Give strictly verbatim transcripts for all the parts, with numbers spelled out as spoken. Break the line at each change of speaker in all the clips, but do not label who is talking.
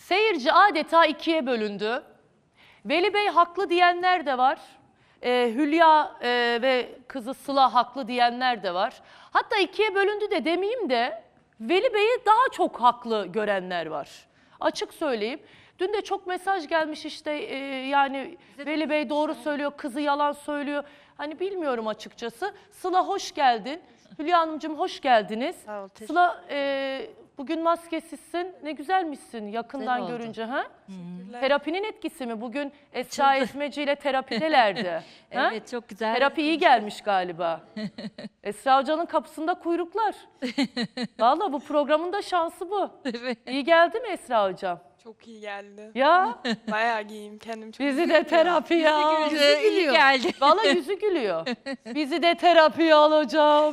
Seyirci adeta ikiye bölündü. Veli Bey haklı diyenler de var. Ee, Hülya e, ve kızı Sıla haklı diyenler de var. Hatta ikiye bölündü de demeyeyim de Veli Bey'i daha çok haklı görenler var. Açık söyleyeyim. Dün de çok mesaj gelmiş işte e, yani Veli Bey doğru söylüyor, kızı yalan söylüyor. Hani bilmiyorum açıkçası. Sıla hoş geldin. Hülya Hanımcığım hoş geldiniz.
Sağ ol,
Sıla e, bugün maskesizsin. Ne güzelmişsin yakından
Güzel oldu.
görünce. Ha? Terapinin etkisi mi? Bugün Esra Ezmeci ile terapidelerdi. Ha?
Evet, çok güzel.
Terapi iyi gelmiş galiba. Esra Hoca'nın kapısında kuyruklar. Vallahi bu programın da şansı bu.
Evet.
İyi geldi mi Esra Hocam?
Çok iyi geldi.
Ya
Bayağı giyeyim kendim çok
bizi
iyi
de terapiye al.
Güzel, iyi geldi.
Vallahi yüzü gülüyor. Bizi de terapiye al hocam.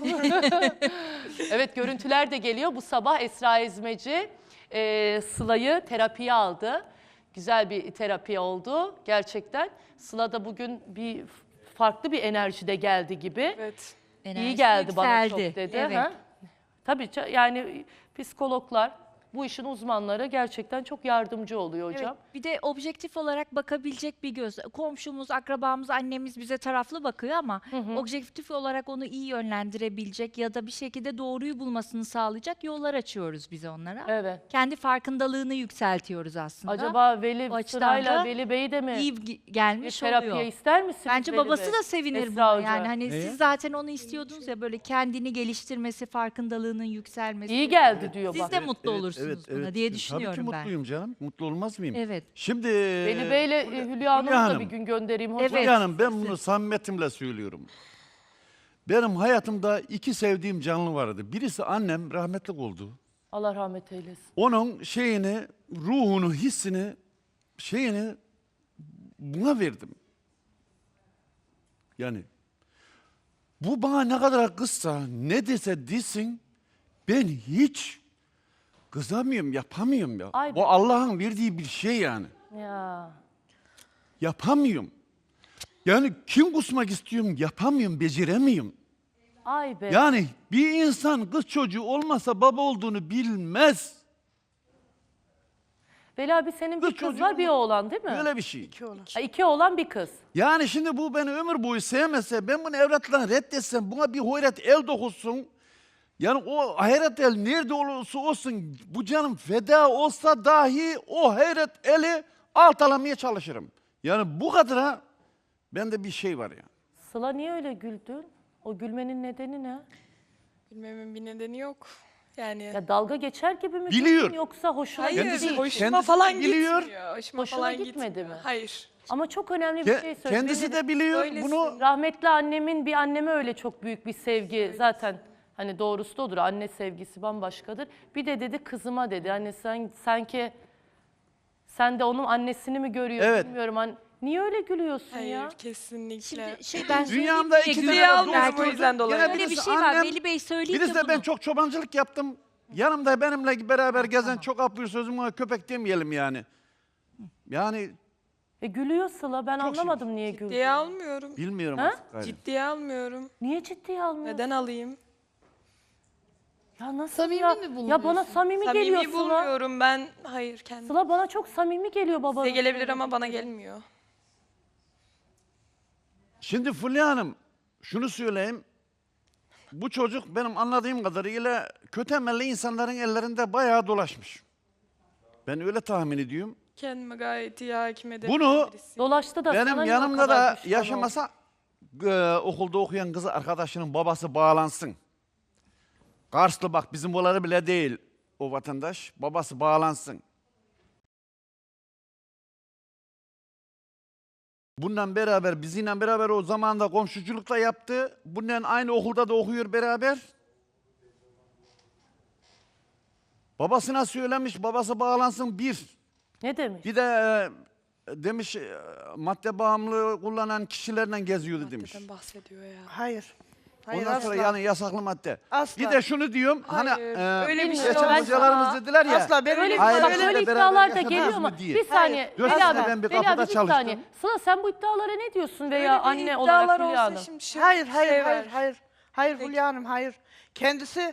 Evet, görüntüler de geliyor. Bu sabah Esra Ezmeci e, Sıla'yı terapiye aldı. Güzel bir terapi oldu gerçekten. Sıla da bugün bir farklı bir enerjide geldi gibi.
Evet.
İyi
Enerjisi
geldi bana
yükseldi.
çok dedi.
Evet.
Ha? Tabii ça- yani psikologlar, bu işin uzmanları gerçekten çok yardımcı oluyor hocam.
Evet, bir de objektif olarak bakabilecek bir göz. Komşumuz, akrabamız, annemiz bize taraflı bakıyor ama objektif olarak onu iyi yönlendirebilecek ya da bir şekilde doğruyu bulmasını sağlayacak yollar açıyoruz biz onlara.
Evet.
Kendi farkındalığını yükseltiyoruz aslında.
Acaba Veli
O açıdan
Sırayla
da
Veli Bey de mi
iyi gi-
bir
gelmiş
terapiye
oluyor.
ister misiniz?
Bence
Veli
babası
Bey?
da sevinir
Esra
buna.
Hoca.
Yani hani
Neye?
siz zaten onu istiyordunuz ya, böyle kendini geliştirmesi, farkındalığının yükselmesi.
İyi geldi diyor
Siz
bak.
de mutlu olursunuz
evet,
buna
evet.
diye
Tabii ki
düşünüyorum ben.
mutluyum canım. Mutlu olmaz mıyım?
Evet.
Şimdi
Veli Bey ile Hülya Hanım'ı da
Hanım.
bir gün göndereyim hocam.
Evet.
Hülya Hanım, ben bunu samimiyetimle söylüyorum. Benim hayatımda iki sevdiğim canlı vardı. Birisi annem, rahmetli oldu.
Allah rahmet eylesin.
Onun şeyini, ruhunu, hissini, şeyini buna verdim. Yani bu bana ne kadar kızsa, ne dese desin, ben hiç kızamıyorum, yapamıyorum ya.
Ay be.
Bu Allah'ın verdiği bir şey yani.
Ya.
Yapamıyorum. Yani kim kusmak istiyorum, yapamıyorum, beceremiyorum.
Ay be.
Yani bir insan kız çocuğu olmasa baba olduğunu bilmez.
Veli abi senin bir
Kız
kız
çocuğu
var bir
mu?
oğlan değil mi?
Böyle bir şey.
Ha, iki oğlan bir kız.
Yani şimdi bu beni ömür boyu sevmese, ben bunu evlatlarına reddetsem, buna bir hayret el dokunsun. Yani o hayret el nerede olursa olsun, bu canım feda olsa dahi o hayret eli alt alamaya çalışırım. Yani bu kadar bende bir şey var ya.
Sıla niye öyle güldün? O gülmenin nedeni ne?
Bilmemin bir nedeni yok. Yani
Ya dalga geçer gibi mi
Biliyor.
güldün yoksa hoşuna
hayır,
gitti değil?
hoşuma
Kendisi
falan
biliyor.
gitmiyor. Hoşuma
Hoşuna
falan
gitmedi
gitmiyor.
mi?
Hayır.
Ama çok önemli bir
Ke-
şey söyledi.
kendisi
Benim
de biliyor
Öylesin.
bunu.
rahmetli annemin bir anneme öyle çok büyük bir sevgi zaten hani doğrusu da odur. Anne sevgisi bambaşkadır. Bir de dedi kızıma dedi. Hani sen sanki sen de onun annesini mi görüyorsun
Evet.
bilmiyorum. Hani, niye öyle gülüyorsun
Hayır,
ya?
kesinlikle.
Şimdi şey ben söyleyeyim
Dünyamda
diye
iki
gülüyorum
Ciddiye
tane
almıyorum
belki.
o yüzden dolayı.
Gene
Öyle bir
birisi
şey var.
annem,
Veli Bey söyleyeyim
Birisi
de
de ben
bunu.
çok çobancılık yaptım. Yanımda benimle beraber gezen çok apıyor sözüm var. Köpek demeyelim yani. Yani
E gülüyor Sıla. Ben
Çok
anlamadım niye güldü.
Ciddiye almıyorum.
bilmiyorum
Ha?
artık. gayrı.
Ciddiye almıyorum.
Niye ciddiye almıyorsun?
Neden alayım?
Ya nasıl
Samimi
ya?
mi
Ya
bulunuyorsun?
bana samimi, geliyor
Samimi
Sıla.
bulmuyorum ben. Hayır kendim.
Sıla bana çok samimi geliyor baba.
Size gelebilir ama bana gelmiyor.
Şimdi Fulya Hanım şunu söyleyeyim. Bu çocuk benim anladığım kadarıyla kötü emelli insanların ellerinde bayağı dolaşmış. Ben öyle tahmin ediyorum.
Kendime gayet iyi hakim ederim.
Bunu
birisiyim.
Dolaştı da sana
Benim
niye o
yanımda
kadar
da
düşman
yaşamasa e, okulda okuyan kız arkadaşının babası bağlansın. Karslı bak bizim oları bile değil o vatandaş. Babası bağlansın. Bundan beraber, bizimle beraber o zamanda komşuculukla yaptı. Bundan aynı okulda da okuyor beraber. Babasına söylemiş, babası bağlansın bir.
Ne demiş?
Bir de e, demiş e, madde bağımlılığı kullanan kişilerle geziyordu demiş.
Maddeden bahsediyor ya.
Hayır. Hayır
Ondan
asla.
sonra yani yasaklı madde.
Asla.
Bir de şunu diyorum, hani
Hayır,
e,
öyle bir şey
geçen
olmaz.
hocalarımız dediler ya.
Asla ben
Öyle,
öyle
Aile
bak,
içinde
öyle
beraber
iddialar da
yaşadınız
geliyor
mı
ama
diye.
bir saniye.
Hayır.
Veli
Görsene
abi,
ben bir
Veli
kapıda
abi bir
çalıştım.
saniye. Sıla sen bu iddialara ne diyorsun veya
Öyle bir
anne
iddialar
olarak Hülya
olsa
Hanım?
şimdi şu
Hayır, hayır,
şey
hayır,
var.
hayır. Hayır
Peki.
Hülya Hanım, hayır. Kendisi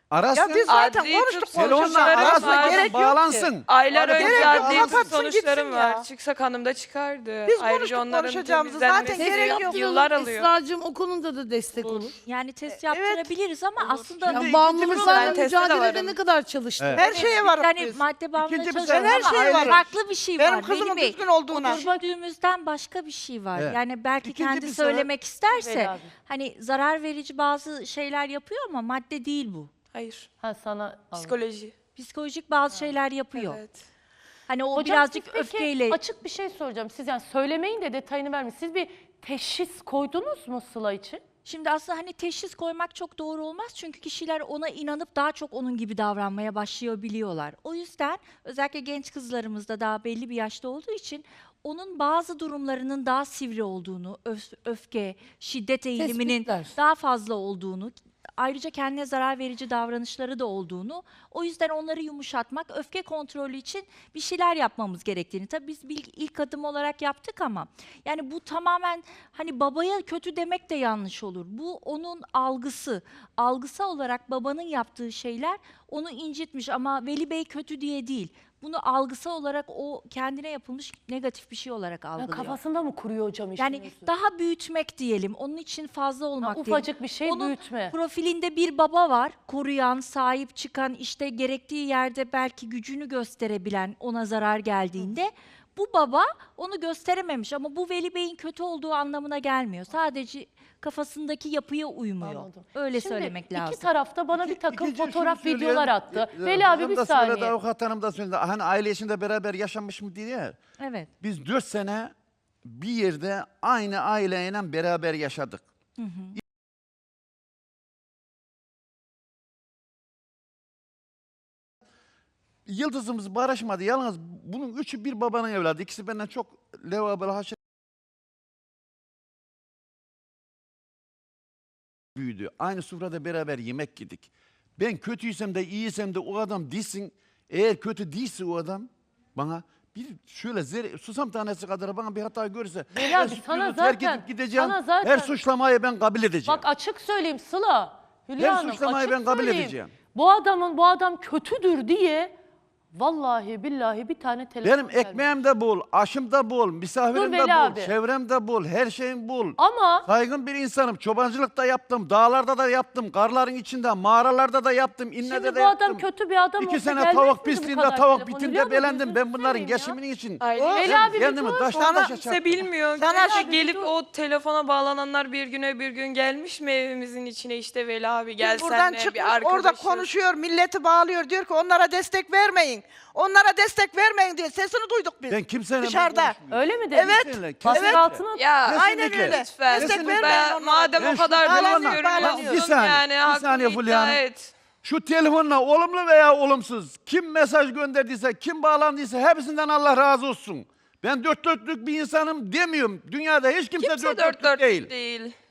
Arasın.
Ya biz zaten
Adli
konuştuk
tıp
Telefonla
sonuçlarım
arasın.
var.
Gerek yok ki.
Bağlansın.
Aylar
Arada
önce
gerek yok,
adli tıp
kapatsın
sonuçlarım
gitsin
var.
ya.
Çıksak hanım da çıkardı.
Biz
Ayrıca
konuştuk
onların
konuşacağımızı, zaten
temizlenmesi
gerek yok.
yıllar alıyor.
Esra'cığım o konuda da destek olur.
Yani test
E, evet.
yaptırabiliriz ama aslında
Şimdi
Ya
ikinci
bağımlılıklarla
Ben teste de
mücadelede
varım.
ne kadar çalıştın?
Evet.
Her şeye varız
yani
biz.
madde bağımlılığı
İkinci bir
çalışan
şey-
her
ama
şeye varım.
farklı bir şey
Benim
var.
kızımın
Veli Bey,
düzgün olduğuna.
düşündüğümüzden başka bir şey var.
Evet.
Yani belki
İkinci
kendi
bir sebep-
söylemek isterse
Veli abi.
hani zarar verici bazı şeyler yapıyor ama madde değil bu.
Hayır.
Ha sana
Psikoloji.
Psikolojik bazı şeyler yapıyor.
Evet.
Hani o
Hocam
birazcık
siz peki
öfkeyle
açık bir şey soracağım. Siz yani söylemeyin de detayını vermeyin. Siz bir teşhis koydunuz mu Sıla için?
Şimdi aslında hani teşhis koymak çok doğru olmaz çünkü kişiler ona inanıp daha çok onun gibi davranmaya başlayabiliyorlar. O yüzden özellikle genç kızlarımızda daha belli bir yaşta olduğu için onun bazı durumlarının daha sivri olduğunu, öf- öfke, şiddet eğiliminin
Tespitler.
daha fazla olduğunu, ayrıca kendine zarar verici davranışları da olduğunu, o yüzden onları yumuşatmak, öfke kontrolü için bir şeyler yapmamız gerektiğini. Tabii biz bir ilk adım olarak yaptık ama yani bu tamamen hani babaya kötü demek de yanlış olur. Bu onun algısı. Algısı olarak babanın yaptığı şeyler onu incitmiş ama Veli Bey kötü diye değil. Bunu algısal olarak o kendine yapılmış negatif bir şey olarak
Ya
algılıyor.
kafasında mı kuruyor hocam işin
Yani
özü?
daha büyütmek diyelim. Onun için fazla
Ha,
olmak değil.
ufacık bir şey
Onun
büyütme.
profilinde bir baba var. Koruyan, sahip çıkan, işte gerektiği yerde belki gücünü gösterebilen ona zarar geldiğinde. Bu baba onu gösterememiş ama bu Veli Bey'in kötü olduğu anlamına gelmiyor. Sadece kafasındaki yapıya uymuyor.
Anladım.
Öyle
Şimdi
söylemek
iki
lazım.
tarafta bana bir takım
İkinci şunu
fotoğraf
söyleyelim.
videolar attı.
E, e,
Veli abi
hanım
bir
da söyledi,
saniye.
avukat hanım da söyledi. Hani aile içinde beraber yaşamış mı diye. ya.
Evet.
Biz dört sene bir yerde aynı aileyle beraber yaşadık. Yıldızımız barışmadı. Yalnız bunun üçü bir babanın evladı. İkisi benden çok levabel haşer büyüdü. Aynı sofrada beraber yemek yedik. Ben kötüysem de iyiysem de o adam değilsin. Eğer kötü değilse o adam bana bir şöyle zerre, susam tanesi kadar bana bir hata görürse
Veli
ben
abi,
suçluyu
sana
terk
zaten-
edip gideceğim.
sana zaten-
Her suçlamayı ben kabul edeceğim.
Bak açık söyleyeyim Sıla. Hülya
Her
Hanım
suçlamayı
açık
ben kabul
söyleyeyim.
edeceğim.
Bu adamın bu adam kötüdür diye vallahi billahi bir tane telefon
Benim
vermedi.
ekmeğim de bol, aşım da bol, misafirim
Dur
de
Veli
bol,
abi.
çevrem de bol, her şeyim bol.
Ama
Saygın bir insanım. Çobancılık da yaptım, dağlarda da yaptım, karların içinde, mağaralarda da yaptım, innede
şimdi
de
bu
yaptım.
adam kötü bir adam
İki
olsa
sene
gelmez
tavuk
miydi bu
pisliğinde,
kadar
tavuk
telefon?
bitinde
Hülya Hanım,
belendim.
gözünü
Ben bunların
seveyim ya.
geçiminin için.
Aile
Veli
Ben
abi bir
kendimi
dur.
taşla
Sana-
taşa
Kimse
çarptım.
bilmiyor.
Sana
Keşke
şu-
gelip o telefona bağlananlar bir gün öbür gün gelmiş mi evimizin içine, işte Veli abi gel
Buradan
senle
çıkmış
bir arkadaşız.
orada konuşuyor, milleti bağlıyor, diyor ki onlara destek vermeyin. Onlara destek vermeyin diye sesini duyduk biz.
Ben kimseyle
Dışarıda.
konuşmuyorum.
öyle mi dedi?
Evet,
Kimseyle,
Baskı
kesinlikle.
altına
Ya
Aynen
Kesinlikle.
öyle.
lütfen.
Destek
Kesinlikle.
vermeyin
Ben,
onlara.
madem
Ben
o
şu
kadar
telefonla-
güveniyorum
bağlanıyor.
Bir saniye,
yani
bir
hakkını
saniye
iddia
Fulya Hanım.
et.
Şu telefonla olumlu veya olumsuz kim mesaj gönderdiyse, kim bağlandıysa hepsinden Allah razı olsun. Ben dört dörtlük bir insanım demiyorum. Dünyada hiç kimse,
Kimse
dört
dört
dörtlük
dörtlük
değil.
değil.